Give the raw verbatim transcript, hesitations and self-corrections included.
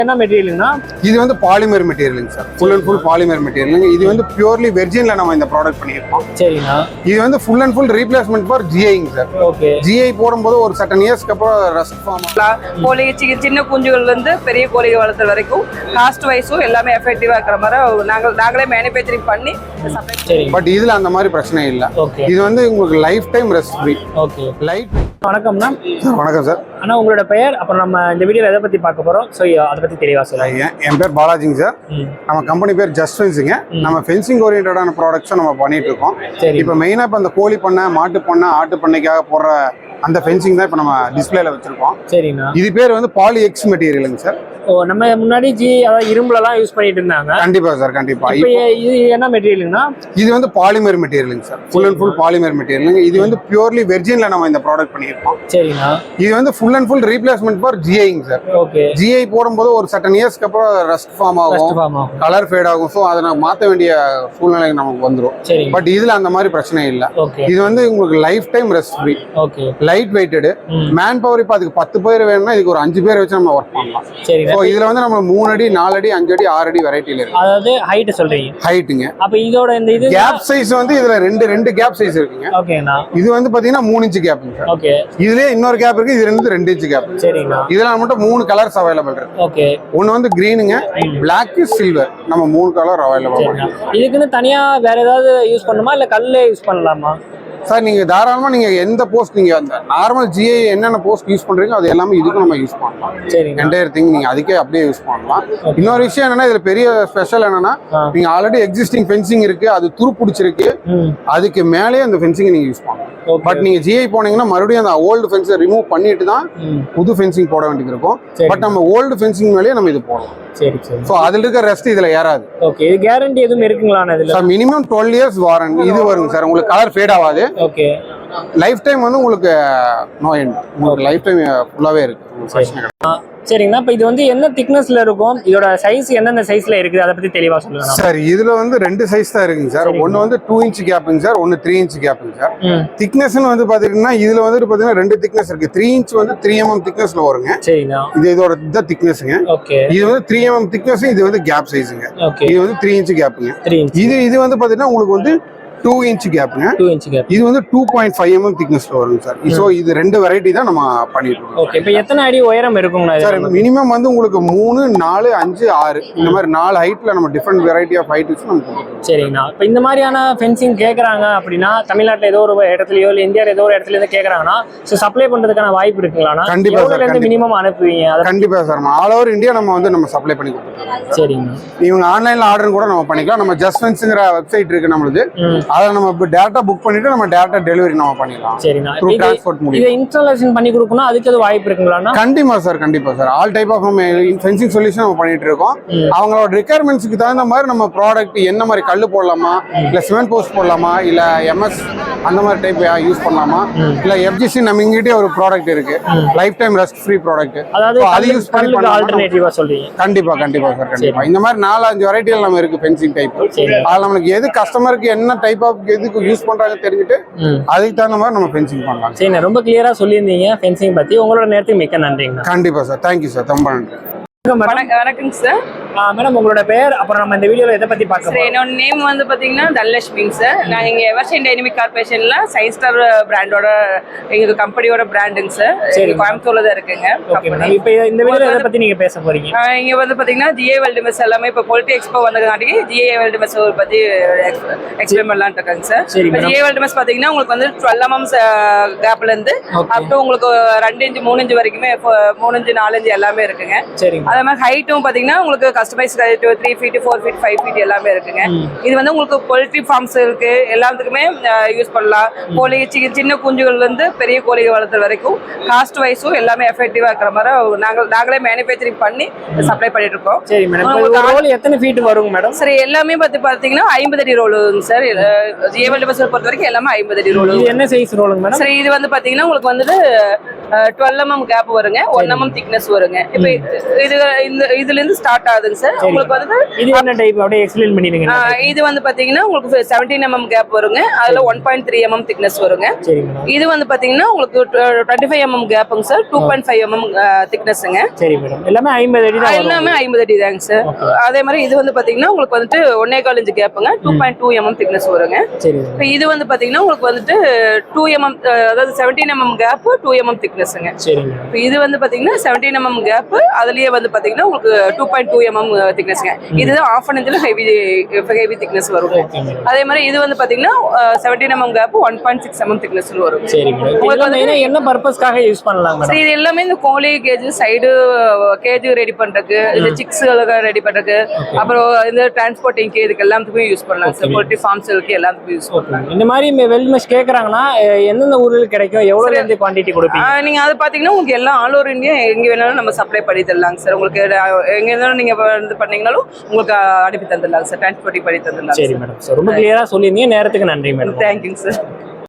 என்ன மெட்டீரியல்னா இது வந்து பாலிமர் மெட்டீரியலுங்க சார். ஃபுல் அண்ட் ஃபுல் பாலிமர் மெட்டீரியலுங்க. இது வந்து பியூர்லி வெர்ஜின்ல நம்ம இந்த ப்ராடக்ட் பண்ணியிருக்கோம். சரிண்ணா. இது வந்து full and full replacement for ஜிஐங்க சார். ஓகே. ஜிஐ போடும்போது ஒரு சர்டன் இயர்ஸ்க்கு அப்புறம் ரஸ்ட் ஃபார்ம் கோழி சின்ன குஞ்சுகள்ல இருந்து பெரிய கோழி வளர்த்துற வரைக்கும் காஸ்ட் வைஸும் எல்லாமே எஃபெக்டிவா இருக்கிற மாதிரி நாங்கள் நாங்களே மேனுஃபேக்சரிங் பண்ணி சரி. பட் இதுல அந்த மாதிரி பிரச்சனை இல்லை. ஓகே. இது வந்து உங்களுக்கு life time rust free. Okay. Light. வணக்கம்ண்ணா. வணக்கம் சார். அண்ணா உங்களோட பெயர், அப்புறம் நம்ம இந்த வீடியோ எதை பத்தி பார்க்க போறோம், ஸோ அதை பத்தி தெளிவா சொல்லுங்க. என் பேர் பாலாஜிங்க சார். நம்ம கம்பெனி பேர் ஜஸ்ட் ஃபென்சிங்க. நம்ம ஃபென்சிங் ஓரியன்டான ப்ராடக்ட்ஸை நம்ம பண்ணிட்டு இருக்கோம். இப்போ மெயினாக இப்போ அந்த கோழி பண்ணை, மாட்டு பண்ணை, ஆட்டு பண்ணைக்காக போடுற அந்த ஃபென்சிங் தான் இப்போ நம்ம டிஸ்பிளேல வச்சிருக்கோம். சரிண்ணா. இது பேர் வந்து பாலி எக்ஸ் மெட்டீரியலுங்க சார். ஓ, நம்ம முன்னாடி ஜி அதாவது இரும்புலலாம் யூஸ் பண்ணிட்டு இருந்தாங்க. கண்டிப்பா சார், கண்டிப்பா. இப்போ இது என்ன மெட்டீரியல்னா? இது வந்து பாலிமர் மெட்டீரியலுங்க சார். ஃபுல் அண்ட் ஃபுல் பாலிமர் மெட்டீரியலுங்க. இது வந்து பியூர்லி வெர்ஜின்ல நம்ம இந்த ப்ராடக்ட் பண்ணியிருக்கோம். சரிண்ணா. இது வந்து full and full replacement for ஜிஐங்க சார். ஓகே. ஜிஐ போடும்போது ஒரு சர்டன் இயர்ஸ்க்கு அப்புறம் ரஸ்ட் ஃபார்ம் ஆகும், கலர் ஃபேட் ஆகும். ஸோ அதை நம்ம மாற்ற வேண்டிய சூழ்நிலை நமக்கு வந்துடும். பட் இதுல அந்த மாதிரி பிரச்சனை இல்லை. இது வந்து உங்களுக்கு life time rust free. Okay. Light weighted. Man power இப்போ அதுக்கு பத்து பேர் வேணும்னா இதுக்கு ஒரு அஞ்சு பேர் வச்சு நம்ம ஒர்க் பண்ணலாம். சரி. ஸோ இதுல வந்து நம்ம மூணு அடி, நாலு அடி, அஞ்சு அடி, ஆறு அடி வெரைட்டில இருக்கு. அதாவது ஹைட் சொல்றீங்க? ஹைட்டுங்க. அப்ப இதோட இந்த இது கேப் சைஸ் வந்து இதுல ரெண்டு ரெண்டு கேப் சைஸ் இருக்குங்க. ஓகேண்ணா. இது வந்து பாத்தீங்கன்னா மூணு இன்ச் கேப்ங்க சார். ஓகே. இதுலயே இன்னொரு கேப் இருக்கு. இது ரெண்டு ரெண்டு இன்ச் கேப். சரிண்ணா. இதுல மட்டும் மூணு கலர்ஸ் அவைலபிள் இருக்கு. ஓகே. ஒன்னு வந்து கிரீனுங்க, பிளாக், சில்வர். நம்ம மூணு கலர் அவைலபிள் இருக்கு. இதுக்குன்னு தனியா வேற ஏதாவது யூஸ் பண்ணுமா, இல்ல கல்லே யூஸ் பண்ணலாமா சார்? நீங்க தாராளமா நீங்க எந்த போஸ்ட், நீங்க அந்த நார்மல் ஜிஐ என்னென்ன போஸ்ட் யூஸ் பண்றீங்க அது எல்லாமே இதுக்கு நம்ம யூஸ் பண்ணலாம். சரி. என்டையர் திங் நீங்க அதுக்கே அப்படியே யூஸ் பண்ணலாம். இன்னொரு விஷயம் என்னன்னா, இதுல பெரிய ஸ்பெஷல் என்னன்னா, நீங்க ஆல்ரெடி எக்ஸிஸ்டிங் ஃபென்சிங் இருக்கு, அது துரு பிடிச்சிருக்கு, அதுக்கு மேலேயே அந்த ஃபென்சிங் நீங்க யூஸ் பண்ணலாம். பட் நீங்க ஜிஐ போனீங்கன்னா மறுபடியும் அந்த ஓல்டு ஃபென்ஸை ரிமூவ் பண்ணிட்டு தான் புது ஃபென்சிங் போட வேண்டியது இருக்கும். பட் நம்ம ஓல்டு ஃபென்சிங் மேலேயே நம்ம இது போடலாம். சரி சரி. சோ அதுல இருக்க ரெஸ்ட் இதுல ஏறாது. ஓகே. இது கேரண்டி எதுவும் இருக்குங்களா இதுல? Sir minimum twelve years warranty இது வருங்க சார். உங்களுக்கு கலர் ஃபேட் ஆகாது. ஓகே. லைஃப் டைம் வந்து உங்களுக்கு நோ எண்ட். உங்களுக்கு லைஃப் டைம் ஃபுல்லாவே இருக்கு. சரிங்கண்ணா. இப்போ இது வந்து என்ன திக்னஸ்ல இருக்கும், இதோட சைஸ் எந்தெந்த சைஸ்ல இருக்குது, அதை பத்தி தெளிவா சொல்லுங்க சார். இதுல வந்து ரெண்டு சைஸ் தான் இருக்குங்க சார். ஒன்னு வந்து டூ இன்ச் கேப்புங்க சார், ஒன்னு த்ரீ இன்ச் கேப்புங்க சார். திக்னஸ் வந்து பாத்தீங்கன்னா இதுல வந்து பாத்தீங்கன்னா ரெண்டு திக்னஸ் இருக்கு. த்ரீ இன்ச் வந்து த்ரீ எம்எம் திக்னஸ்ல வருங்க. சரிண்ணா. இது இதோட இந்த திக்னஸ்ங்க. ஓகே. இது வந்து த்ரீ எம்எம் திக்னஸ், இது வந்து கேப் சைஸுங்க. இது வந்து த்ரீ இன்ச் கேப்புங்க. இது இது வந்து பாத்தீங்கன்னா உங்களுக்கு வந்து டூ இன்ச் கேப்புங்க. Two inch gap. இது வந்து டூ பாயிண்ட் ஃபைவ் எம்எம் திக்னஸ்ல வருங்க சார். ஸோ இது ரெண்டு வெரைட்டி தான் நம்ம பண்ணிட்டு இருக்கோம். ஓகே. இப்போ எத்தனை அடி உயரம் இருக்குங்களா சார்? மினிமம் வந்து உங்களுக்கு மூணு, நாலு, அஞ்சு, ஆறு இந்த மாதிரி நாலு ஹைட்ல நம்ம டிஃப்ரெண்ட் வெரைட்டி ஆஃப் ஹைட் வச்சு நம்ம கொடுக்குறோம். சரிங்கண்ணா. இப்போ இந்த மாதிரியான ஃபென்சிங் கேட்குறாங்க அப்படின்னா, தமிழ்நாட்டில் ஏதோ ஒரு இடத்துலயோ இல்லை இந்தியாவில் ஏதோ ஒரு இடத்துல இருந்து கேட்குறாங்கன்னா, ஸோ சப்ளை பண்றதுக்கான வாய்ப்பு இருக்குங்களா? கண்டிப்பா சார். மினிமம் அனுப்புவீங்க? கண்டிப்பா சார். ஆல் ஓவர் இந்தியா நம்ம வந்து நம்ம சப்ளை பண்ணி கொடுத்துருக்கோம். சரிங்க. இவங்க ஆன்லைன்ல ஆர்டர் கூட நம்ம பண்ணிக்கலாம். நம்ம ஜஸ்ட் ஃபென்ஸ்ங்கிற வெப்சைட் இருக்கு நம்மளுக்கு. அதை நம்ம புக் பண்ணிட்டு நம்ம டைரக்டா டெலிவரி நம்ம பண்ணிடலாம். சரிண்ணா. த்ரூ டிரான்ஸ்போர்ட் மூலமா இத இன்ஸ்டாலேஷன் பண்ணி கொடுக்கணும், அதுக்கு அது வாய்ப்பு இருக்குங்களா? கண்டிப்பா சார், கண்டிப்பா சார். ஆல் டைப் ஆஃப் நம்ம ஃபென்சிங் சொல்யூஷன் நம்ம பண்ணிட்டு இருக்கோம். அவங்களோட ரிக்வயர்மெண்ட்ஸ்க்கு தகுந்த மாதிரி நம்ம ப்ராடக்ட் என்ன மாதிரி கல்லு போடலாமா, இல்ல சிமெண்ட் போஸ்ட் போடலாமா, இல்ல எம்எஸ் அந்த மாதிரி டைப் யூஸ் பண்ணலாமா, இல்ல எஃப்ஜிசி நம்ம இங்கிட்டே ஒரு ப்ராடக்ட் இருக்கு, life time rust free product. அதாவது அது யூஸ் பண்ணி ஆல்டர்னேட்டிவா சொல்றீங்க? கண்டிப்பா கண்டிப்பா சார், கண்டிப்பா. இந்த மாதிரி நாலு அஞ்சு வெரைட்டில நம்ம இருக்கு ஃபென்சிங் டைப். அது நமக்கு எது கஸ்டமருக்கு என்ன டைப் ஆஃப் எதுக்கு யூஸ் பண்றாங்க தெரிஞ்சுட்டு அதுக்கு தகுந்த மாதிரி நம்ம ஃபென்சிங் பண்ணலாம். சரி, ரொம்ப கிளியரா சொல்லியிருந்தீங்க ஃபென்சிங் பத்தி. உங்களோட நேரத்துக்கு மிக்க நன்றிங்க. கண்டிப்பா சார். Thank you sir. ரொம்ப நன்றி. வணக்கம் சார். மேடம் உங்களோட பேர், அப்புறம் நம்ம இந்த வீடியோல எதை பத்தி பார்க்க போறோம்? என்னோட நேம் வந்து பாத்தீங்கன்னா தனலட்சுமிங்க சார். நாங்க இங்க எவர்ஷைன் டைனமிக் கார்பரேஷன்ல சயின்ஸ் ஸ்டார் பிராண்டோட எங்க கம்பெனியோட பிராண்டுங்க சார். சரி, கோயம்புத்தூர்ல தான் இருக்குங்க கம்பெனி. இப்போ இந்த வீடியோல எதை பத்தி நீங்க பேச போறீங்க? இங்க வந்து பாத்தீங்கன்னா ஜிஏ வேர்ல்டு மெஸ் எல்லாமே இப்போ குவாலிட்டி எக்ஸ்போ வந்ததுக்காண்டி ஜிஏ வேர்ல்டு மெஸ் பத்தி எக்ஸ்பிளைன் பண்ணலாம்னு இருக்காங்க சார். ஜிஏ வேர்ல்டு மெஸ் பாத்தீங்கன்னா உங்களுக்கு வந்து டுவெல் எம்எம் கேப்ல இருந்து அப் டு உங்களுக்கு ரெண்டு இன்ச்சு மூணு இன்ச்சு வரைக்குமே மூணு இன்ச்சு நாலு இன்ச்சு எல்லாமே இருக்குங்க. சரி. அதே மாதிரி ஹைட்டும் பாத்தீங்கன்னா உங்களுக்கு customise three feet four feet five feet எல்லாமே இருக்குங்க. இது வந்து உங்களுக்கு போல்ட்ரி ஃபார்ம்ஸ் இருக்கு, எல்லாத்துக்குமே யூஸ் பண்ணலாம். கோழி சின்ன குஞ்சுகள்ல இருந்து பெரிய கோழி வளர்த்துற வரைக்கும் காஸ்ட் வைஸும் எல்லாமே எஃபெக்டிவா இருக்கிற மாதிரி நாங்கள் நாங்களே மேனுஃபேக்சரிங் பண்ணி சப்ளை பண்ணிட்டு இருக்கோம். சரி மேடம். ரோல் எத்தனை ஃபீட் வருங்க மேடம்? சரி, எல்லாமே பார்த்து பாத்தீங்கன்னா ஐம்பது அடி ரோலுங்க சார். ஜிஏ வேர்ல்டு மெஸ் பொறுத்த வரைக்கும் எல்லாமே ஐம்பது அடி ரோல். என்ன சைஸ் ரோலுங்க மேடம்? சரி, இது வந்து பாத்தீங்கன்னா உங்களுக்கு வந்துட்டு டுவெல் எம்எம் கேப் வருங்க, ஒன் எம்எம் திக்னஸ் வருங்க. இப்போ இது இந்த இதுல இருந்து ஸ்டார்ட் ஆகுதுங்க சார். உங்களுக்கு வந்து இது என்ன டைப் அப்படியே எக்ஸ்பிளைன் பண்ணிடுங்க. இது வந்து பாத்தீங்கன்னா உங்களுக்கு செவன்டீன் எம்எம் கேப் வருங்க, அதுல one point three mm thickness வருங்க. இது வந்து பாத்தீங்கன்னா உங்களுக்கு டுவெண்ட்டி ஃபைவ் எம்எம் கேப்புங்க sir, two point five mm திக்னஸ்ங்க. சரி மேடம், எல்லாமே ஐம்பது அடி தான், எல்லாமே ஐம்பது அடி தாங்க சார். அதே மாதிரி இது வந்து பாத்தீங்கன்னா உங்களுக்கு வந்துட்டு ஒன்னே கால் இன்ச் கேப்புங்க, two point two mm thickness வருங்க. இப்போ இது வந்து பாத்தீங்கன்னா உங்களுக்கு வந்துட்டு டூ எம்எம், அதாவது seventeen mm gap, two mm திக்னஸ்ங்க. இப்போ இது வந்து பாத்தீங்கன்னா செவன்டீன் எம்எம் கேப், அதுலயே வந்து பாத்தீங்கன்னா உங்களுக்கு டூ பாயிண்ட் டூ எம்எம் திக்னஸ்ங்க. இதுதான் ஆஃப் அன் இன்ச்ல ஹெவி ஹெவி திக்னஸ் வரும். அதே மாதிரி இது வந்து பாத்தீங்கன்னா seventeen mm gap, one point six mm thickness வரும். உங்களுக்கு வந்து என்ன பர்பஸ்க்காக யூஸ் பண்ணலாம் மேடம்? இது எல்லாமே இந்த கோழி கேஜ், சைடு கேஜ் ரெடி பண்றதுக்கு, இந்த சிக்ஸ் ரெடி பண்றதுக்கு, அப்புறம் இந்த டிரான்ஸ்போர்ட்டிங்க்கு, இதுக்கு எல்லாத்துக்கும் யூஸ் பண்ணலாம் சார். போல்ட்ரி ஃபார்ம்ஸ்க்கு எல்லாத்துக்கும் யூஸ் பண்ணலாம். இந்த மாதிரி வெல் மெஷ் கேக்குறாங்கன்னா எந்தெந்த ஊர்ல கிடைக்கும், எவ்வளவு இருந்து குவாண்டிட்டி கொடுப்பீங்க? நீங்க அதை பாத்தீங்கன்னா உங்களுக்கு எல்லாம் ஆல் ஓவர் இந்தியா எங்க வேணாலும் நம்ம சப்ளை பண்ணி தரலாங்க சார். உங்களுக்கு எங்க இருந்தாலும் நீங்க வந்து பண்ணீங்கனாலும் உங்களுக்கு அனுப்பி தந்துடலாம் சார், டிரான்ஸ்போர்ட்டிங் பண்ணி தந்துடலாம். சரி மேடம், ரொம்ப கிளியரா சொல்லியிருந்தீங்க. நேரத்துக்கு நன்றி மேடம். தேங்க்யூங்க சார்.